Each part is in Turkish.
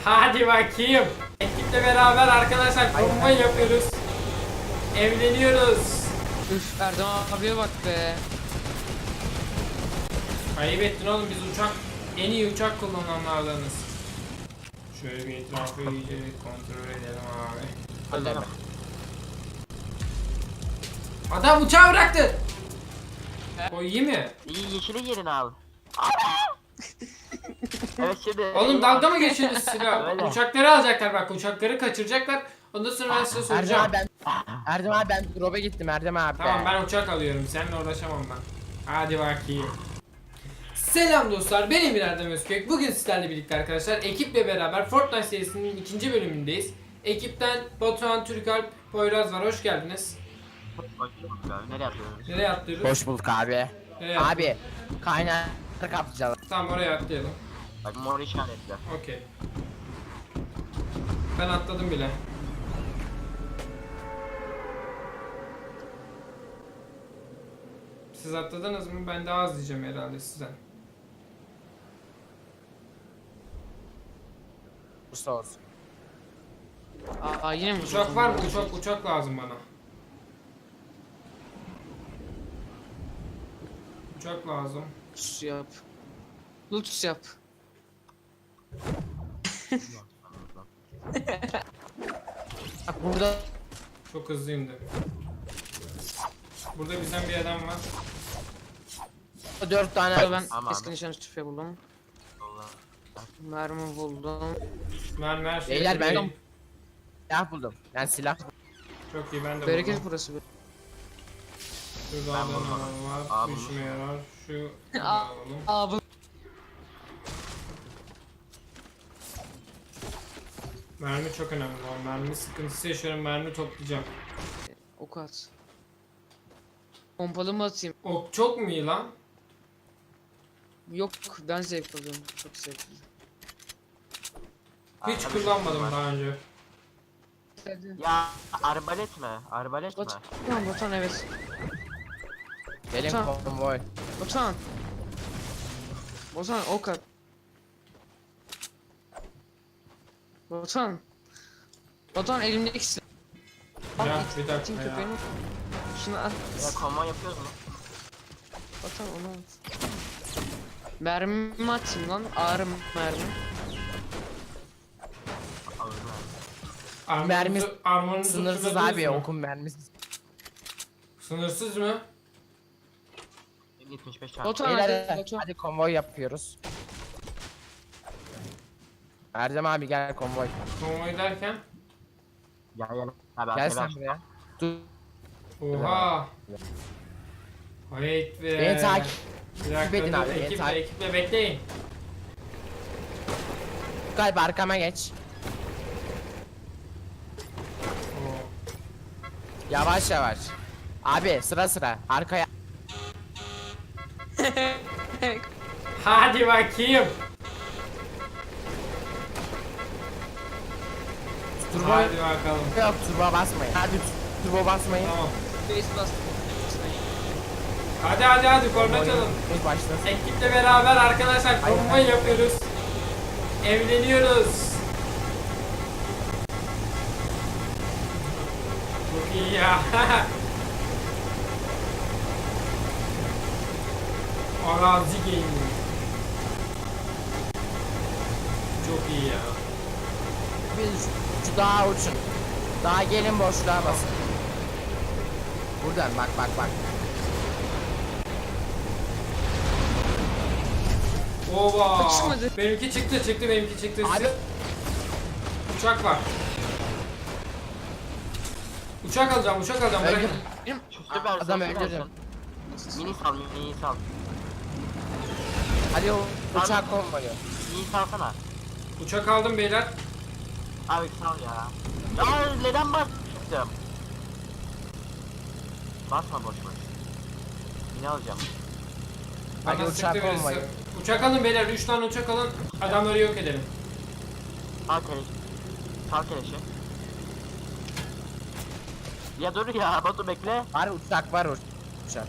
Hadi bakayım. Ekiple beraber arkadaşlar konvoy yapıyoruz. Evleniyoruz. Üf Erdem abiye bak be. Ayıp ettin oğlum, biz en iyi uçak kullananlardanız. Şöyle bir etrafı iyice kontrol edelim abi. Hadi. Adam uçağı bıraktı. O iyi mi? İyi yeşili yerin abi. Evet şimdi. Oğlum dalga mı geçiyorsunuz silah? Öyle. Uçakları alacaklar bak, uçakları kaçıracaklar. Ondan sonra ben size soracağım. Erdem abi ben drop'a gittim Erdem abi. Tamam, ben uçak alıyorum, seninle uğraşamam ben. Hadi bakayım. Selam dostlar, ben Emir Erdem Özkök. Bugün sizlerle birlikte arkadaşlar ekiple beraber Fortnite serisinin 2. bölümündeyiz. Ekipten Batuhan, Türkalp, Poyraz var, hoş geldiniz. Nereye atıyoruz? Nereye atlıyoruz? Hoş bulduk abi. Nereye Abi kaynar kaplayacağız. Tamam, oraya atlayalım. Bak mor işaretler. Okey. Ben atladım bile. Siz atladınız mı? Ben daha az diyeceğim herhalde sizden. Usta olsun. Aa yine mi? Uçak var mı? Uçak lazım bana. Uçak lazım. Lutus yap. Lutus yap. Bak burada Çok hızlı indi. Burada bizden bir adam var. 4 tane Abi ben Tamam. eski nişan tüfeği buldum. Allah. Mermi buldum. Mermi her şeyi Beyler, ben- bulayım. silah buldum. Ben silah Çok iyi, ben de Bereket buldum. burası. Şurada Ben adam buldum. var. Aa, Bu buldum. işime yarar. Şu Aa. alalım. Abi. Mermi çok önemli. Mermi sıkıntısı yaşıyorum. Mermi toplayacağım. Ok at. Pompalı mı atayım? Ok çok mu iyi lan? Yok ben zevk alıyorum. Çok zevkli. Hiç Abi, kullanmadım var. daha önce. Ya arbalet mi? Arbalet mi? Batuhan, Batuhan evet. gelin Tamam. konvoy. Batuhan. Batuhan ok at. Batuhan. Batuhan elimdeki silah. Ya it- bir dakika itin ya. köpeğini. Şunu at. Ya konvoy yapıyoruz mu? Batuhan onu at. Mermi atayım lan. Ağrı mermi. Alırım abi. Mermi Armorunuzu Sınırsız fırlatıyorsunuz abi mu? okun mermisi. Sınırsız mı? 75 tane. Batuhan Beyler hadi. Batuhan. hadi konvoy yapıyoruz. Erdem abi gel konvoy. Konvoy derken? Gel gel. Abi Gel arkaya sen ver. buraya. Dur. Oha. Hayt be. Beni takip Bir dakika edin dur, abi, beni takip- ekiple bekleyin. Galiba arkama geç. Oo. Yavaş yavaş. Abi sıra sıra arkaya. Hadi bakayım. Turbo Hadi bakalım. yok, turbo basmayın. Hadi turbo basmayın. Tamam. Face bastım. Hadi korna çalın. Biz başlasın. Ekiple beraber arkadaşlar Aynen. konvoy yapıyoruz. Evleniyoruz. Çok iyi ya. Arazi gaming. Çok iyi ya. Biz şu dağa uçun. Dağa gelin boşluğa basın. Buradan bak. Ova. Çıkmadı. Benimki çıktı benimki çıktı. Abi Uçak var. Uçak alacağım bırakın. öldür. Şu süper Adam süper öldürdüm. sen. Mini sal. Hadi o uçak konvoyu. Mini salsana. Uçak aldım beyler. Abi sal ya. Ya neden bastım? Basma boş. Mini alacağım. Hadi Bana uçak sıktı birisi. konvoyu. Uçak alın beyler, 3 tane uçak alın. Adamları yok edelim. Sal keleşi. Sal keleşi. Ya dur ya Batu bekle. Var uçak var uçak.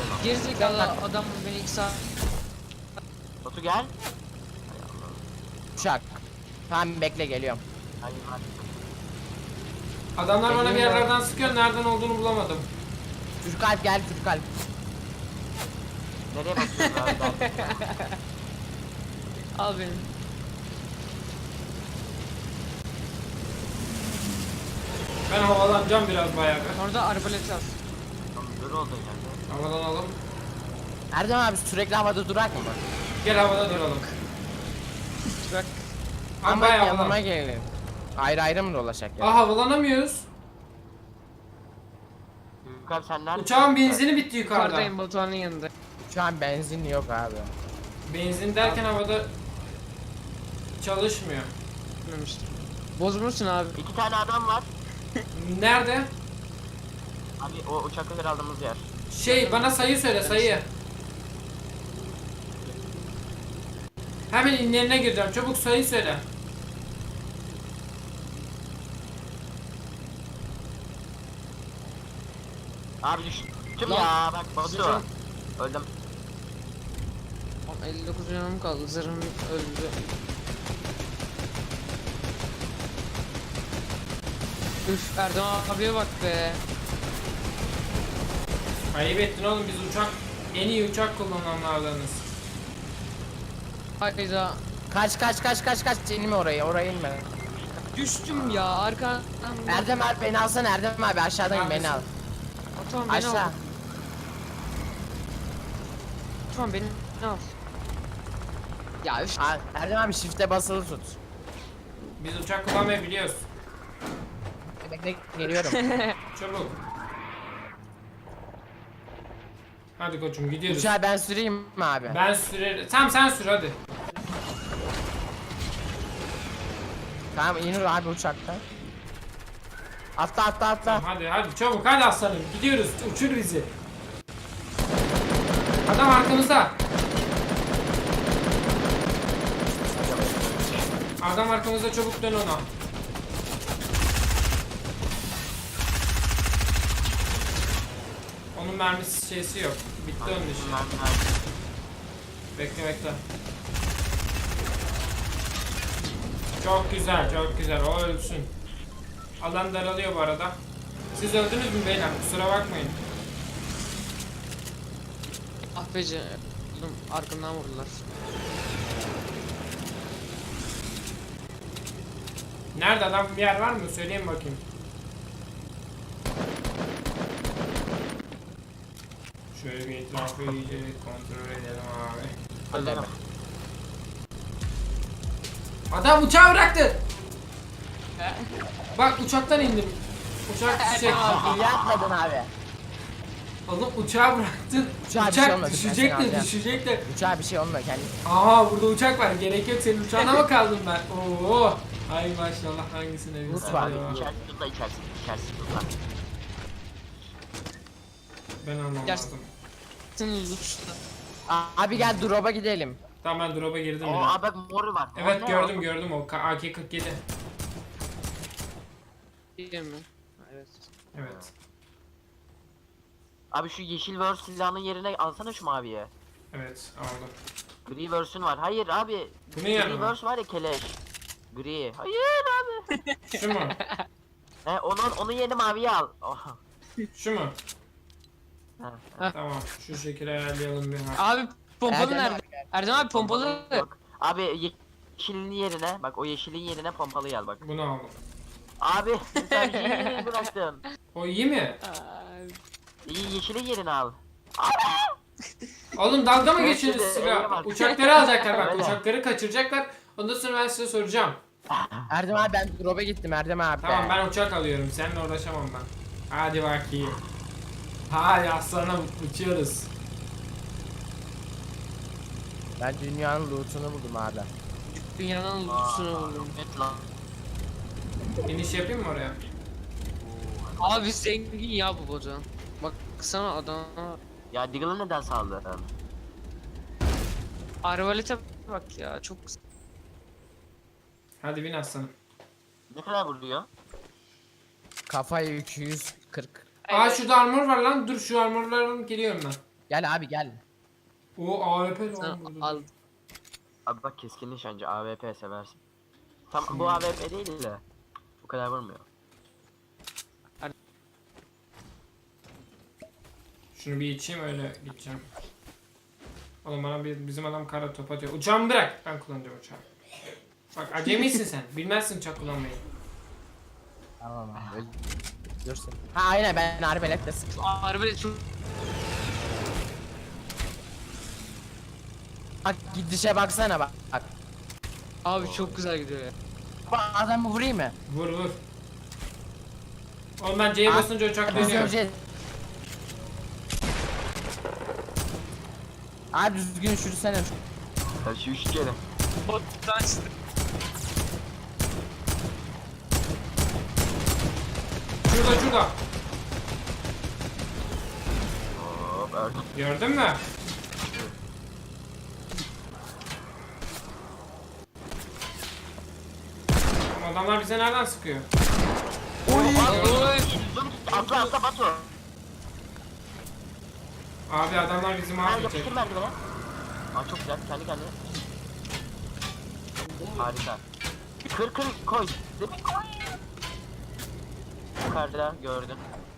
Gerizekalı adam beni 2 saat. Batu gel. Uçak. Tamam bekle geliyorum. Hayır hadi. Adamlar bana bir Geliyor. yerlerden sıkıyor. Nereden olduğunu bulamadım. Türkalp gel Türkalp. Nereye bakıyorsun abi? Al beni. Ben havalanacağım biraz bayağı. bir. Orada arbalet al. Dur oldu yani. Havalanalım. Erdem abi sürekli havada durak mı? Gel havada duralım. Bak. Ama Ama bayağı yanıma havalan. gelin. Ayrı ayrı mı dolaşacak ya? Aa havalanamıyoruz. Yukarı sen neredesin? Uçağın benzini bitti yukarıda. Yukarıdayım Batuhan'ın yanında. Şu an benzin yok abi. Benzin derken havada çalışmıyor. Bilmemiştim. Bozmuşsun abi. 2 tane adam var. Nerede? Abi o uçakları aldığımız yer. Şey bana sayı söyle sayı. Hemen inlerine gireceğim. Çabuk sayı söyle. Abi düştüm Lan. ya bak Batu. Zırhım. Öldüm. 59 canım kaldı. Zırhım öldü. Üf Erdem abiye bak be. Ayıp ettin oğlum, biz uçak en iyi uçak kullananlardanız. Hayda. Kaç inme oraya inme. Düştüm ya arkadan. Erdem abi beni alsana Erdem abi aşağıdan beni al. Batuhan beni Aşağı. al. Batuhan beni al. Ya üf. Erdem abi shift'e basılı tut. Biz uçak kullanmayı biliyoruz. Bekle geliyorum. Çabuk. Hadi koçum gidiyoruz. Uçağı ben süreyim mi abi? Ben sürerim. Tamam sen sür hadi. Tamam inir abi uçaktan. Atla. Tamam, hadi çabuk hadi aslanım gidiyoruz, uçur bizi. Adam arkamızda. Adam arkamızda, çabuk dön ona. Onun mermisi şeysi yok. Bitti onun işi. Bekle. Çok güzel. O ölsün. Alan daralıyor bu arada. Siz öldünüz mü beyler? Kusura bakmayın. Ah be canım. Arkamdan vurdular. Nerede adam, bir yer var mı? Söyleyin bakayım. Şöyle bir etrafı iyice kontrol edelim abi. Öldüm. Adam uçağı bıraktı. Bak uçaktan indim. Uçak düşecek. İyi atmadın abi. Oğlum uçağı bıraktın. Uçağa bir şey Uçak olmadı, düşecek ben seni de alacağım. düşecek de. Uçağa bir şey olma kendi. Aha burada uçak var. Gerek yok, senin uçağına mı kaldım ben? Oo. Ay maşallah, hangisine bir Rus var. İçerisi tuzla içerisi tuzla. Ben almam Gel. lazım. Sen uçtu. Abi gel drop'a gidelim. Tamam ben drop'a girdim O bile. abi moru var. Evet O ne gördüm o AK-47. Değil mi? Evet. Evet. Abi şu yeşil verse silahının yerine alsana şu maviye. Evet aldım. Gri verse'ün var. Hayır abi. Bu ne Gri yani? verse var ya keleş. Gri. Hayır abi. Şu mu? Onun yerine maviyi al. Oh. Şu mu? Ha. Tamam şu şekilde ayarlayalım bir. Abi pompalı Erdem nerede? abi gel. Erdem abi pompalı. Yok. Abi yeşilin yerine bak o yeşilin yerine pompalıyı al bak. Bunu aldım. Abi sen yeşilini bıraktın. O iyi mi? İyi yeşilin yerine al. Oğlum dalga mı Evet, geçiyorsunuz öyle silah? bak. Uçakları alacaklar bak, Öyle. uçakları kaçıracaklar. Ondan sonra ben size soracağım. Erdem abi ben drop'a gittim Erdem abi. Tamam ben uçak alıyorum, seninle uğraşamam ben. Hadi bakayım. Hadi aslanım uçuyoruz. Ben dünyanın loot'unu buldum abi. Dünyanın uçuşunu buldum. Evet lan. İniş yapayım mı oraya? Abi zengin ya bu Batuhan. Bak sana adam. Ya Diggle'ı neden saldın? Arbalete bak ya çok güzel. Hadi bin aslanım. Ne kadar vuruyor? Kafayı 240. Aa şurada armor var lan, dur şu armorları alıp geliyorum ben. Gel abi gel. O AWP Sen lan burada. al. Abi bak keskin nişancı AWP seversin. Tam bu AWP değil de. Bu kadar vurmuyor. Şunu bir içeyim öyle gideceğim. Oğlum bana bizim adam kara top atıyor. Uçağımı bırak. Ben kullanacağım uçağı. Bak acemisin sen. Bilmezsin uçak kullanmayı. Tamam abi. Dursun. Ha aynen ben arbeletle sıktım. Harbi çok Bak gidişe baksana bak. Bak. abi çok güzel gidiyor ya. Bak adamı vurayım mı? Vur vur. Oğlum ben C'ye basınca uçak Biz dönüyor. önce... Abi düzgün sürüsene. Ya şu 3 kere. Bottan çıktı. Şurada şurada. Hop ördüm. Gördün mü? Oğlum adamlar bize nereden sıkıyor? Oy. Atla atla Batu. Abi adamlar bizi Ha mahvedecek. yapıştır merdivene. Aa çok güzel kendi kendine. Harika. Kır kır koy. Demin koy. Yukarıda gördüm.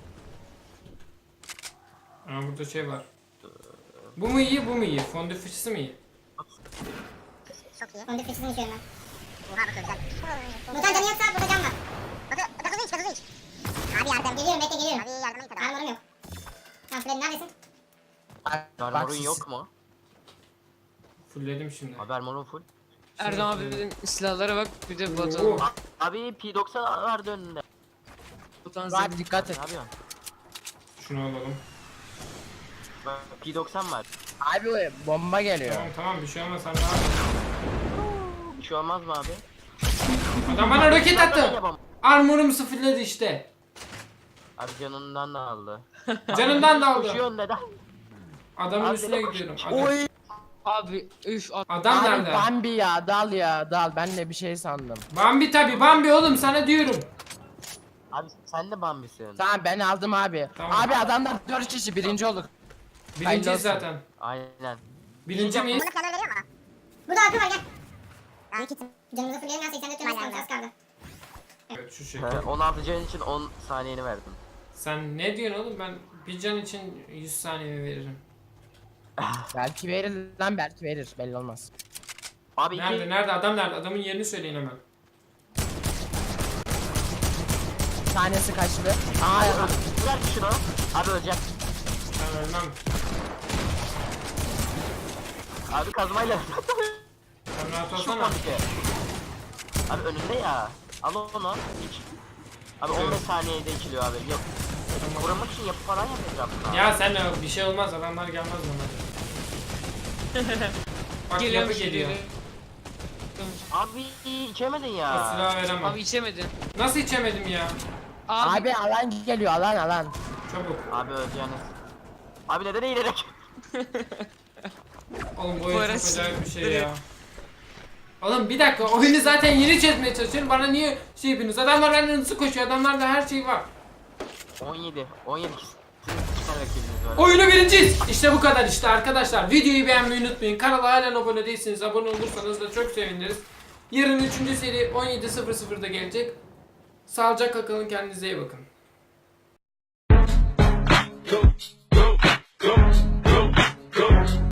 Aa burada şey var. Bu mu iyi bu mu iyi? Fondü fıçısı mı iyi? Çok iyi. Onu fıçısını içiyorum ben. Oha bakıyor güzel. Mutan canı yoksa burada can var. Bakıyor hiç bakıyor hiç. Abi yardım. Geliyorum bekle geliyorum. Abi yardıma git hadi. Armorum yok. Tamam Freddy neredesin? Armorun yok mu? Fullledim şimdi. Abi armorun full. Erdem abinin silahlara bak bir de Batuhan. Oo. Abi P90 vardı önünde. Batuhan Abi dikkat Ne et. yapıyorsun? Şunu alalım. Bak, P90 var. Abi o bomba geliyor. Tamam tamam bir şey olmaz sen rahat ol. Bir şey olmaz mı abi? Adam bana roket attı. Yapamam. Armorumu sıfırladı işte. Abi canından da aldı. Canından da aldı. Koşuyor neden? Adamın Abi üstüne ne gidiyorum. koşuyor? Adam, abi üf at. adam Abi nerede? Bambi ya dal ya dal ben de bir şey sandım. Bambi tabi Bambi oğlum sana diyorum. Abi sen de Bambi'sin. Tamam ben aldım abi. Tamam. Abi adamlar 4 kişi birinci olduk. Birinciyiz olsun. zaten. Aynen. Birinci miyiz? Bunu planör veriyor mu? Burada akı var gel. Ben kitim. Canımızı fulleyelim ya 84 canımız kaldı az kaldı. Evet şu şekilde. 16 can için 10 saniyeni verdim. Sen ne diyorsun oğlum ben bir can için 100 saniye veririm. Belki verir lan belki verir belli olmaz. Abi Nerede nerede adam nerede? Adamın yerini söyleyin hemen. Tanesi kaçtı. Aa Ver şunu. Abi ölecek. Ben ölmem. Abi kazmayla. Sen rahat Şu olsana. komike. Abi önünde ya. Al onu. İç. Abi 15 saniyede içiliyor abi. Yok. Vurmak için yapı falan yapacağım. Ya sen de bir şey olmaz adamlar gelmez bana. Bak Geliyorum yapı geliyor. Abi içemedin O ya. silahı veremem. Abi içemedin. Nasıl içemedim ya? Abi, abi alan geliyor alan. Çabuk. Abi öleceğiniz. Abi neden eğilerek? Oğlum bu Bu oyun ara çok acayip bir şey sinirleri- ya. Oğlum bir dakika oyunu zaten yeni çözmeye çalışıyorum. Bana niye şey yapıyorsunuz? Adamlar benden hızlı koşuyor. Adamlarda her şey var. 17. 17 kişi. İki tane rakibiniz var. Oyunu birinciyiz. İşte bu kadar işte arkadaşlar. Videoyu beğenmeyi unutmayın. Kanala halen abone değilseniz abone olursanız da çok seviniriz. Yarın 3. seri 17.00'da gelecek. Sağlıcakla kalın, kendinize iyi bakın. Go, go, go.